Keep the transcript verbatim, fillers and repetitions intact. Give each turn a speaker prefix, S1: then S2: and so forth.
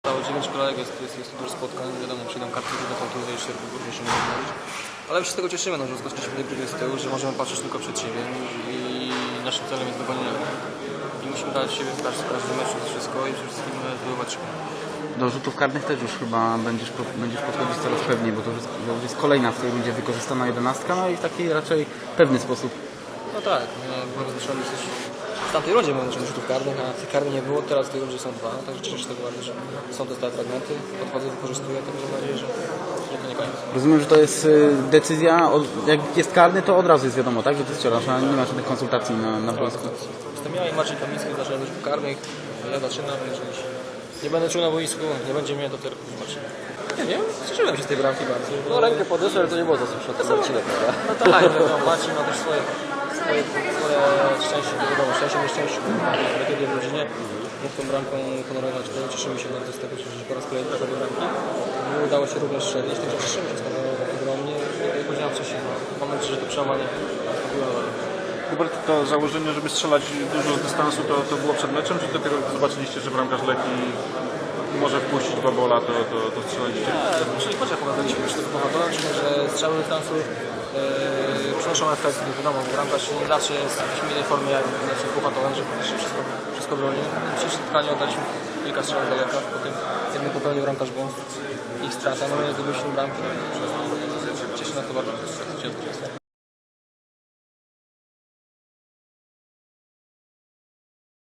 S1: zostało dziewięć kolejek, jest, jest, jest dużo spotkań, wiadomo, przyjdą karty, które są trudne, jeszcze również się nie mówić. Ale my się z tego cieszymy, no, że skoczyliśmy tej grupy z tyłu, że możemy patrzeć tylko przed siebie i naszym celem jest dogonienie. I musimy dać siebie w każdym, w każdym meczu wszystko i przede wszystkim zdobywać.
S2: Do rzutów karnych też już chyba będziesz, będziesz podchodzić coraz pewniej, bo to już jest, to już jest kolejna w tej rundzie wykorzystana jedenastka, no i w taki raczej pewny sposób.
S1: No tak, byłem wyznaczony coś. W tamtej rundzie byłem wyznaczony rzutów karnych, a tych karnych nie było, teraz w tej rundzie są dwa, także cieszę się z tego bardzo, że są te stałe fragmenty, podchodzę, wykorzystuję, także mam nadzieję, że, że to nie koniec.
S2: Rozumiem, że to jest y, decyzja, od, jak jest karny, to od razu jest wiadomo, tak, że ty strzelasz, a nie ma żadnych konsultacji na, na boisku.
S1: Jestem ja i Marcin Kamiński, zaczynamy rzutów karnych, ja zaczynam, jeżeli się nie będę czuł na boisku, nie będzie mnie, to tylko zobaczymy. Nie wiem, cieszyłem się z tej bramki bardzo.
S3: No rękę podniosłem, ale to nie było za słyszeć od Marcina, prawda?
S1: No tak, no, Marcin ma też swoje, swoje, swoje szczęście, wiadomo, szczęście nieszczęście, kiedy w rodzinie mógł tą bramką honorować, to cieszymy się bardzo z tego, że po raz kolejny trafił do bramki. Udało się również strzelić, także cieszymy się z tego ogromnie. Jak powiedziałem wcześniej, mam nadzieję, że to przełamanie nastąpiło.
S4: Hubert, to założenie, żeby strzelać dużo z dystansu, to, to było przed meczem, czy dopiero zobaczyliście, że bramkarz leki może wpuścić babola, to, to, to strzelaliście?
S1: Nie, czyli chociaż opowiadaliśmy już tego powodu, czyli że strzały dystansu yy, przynoszą efekt, wiadomo, bo bramkarz nie zawsze jest w jakiejś innej formie jak znaczy Puchatowen, że wszystko, wszystko broni. W dzisiejszym spotkaniu oddaliśmy kilka strzałów z daleka, potem jednym popełnił bramkarz błąd, ich strata, no my zdobyliśmy bramkę, cieszę nas to bardzo.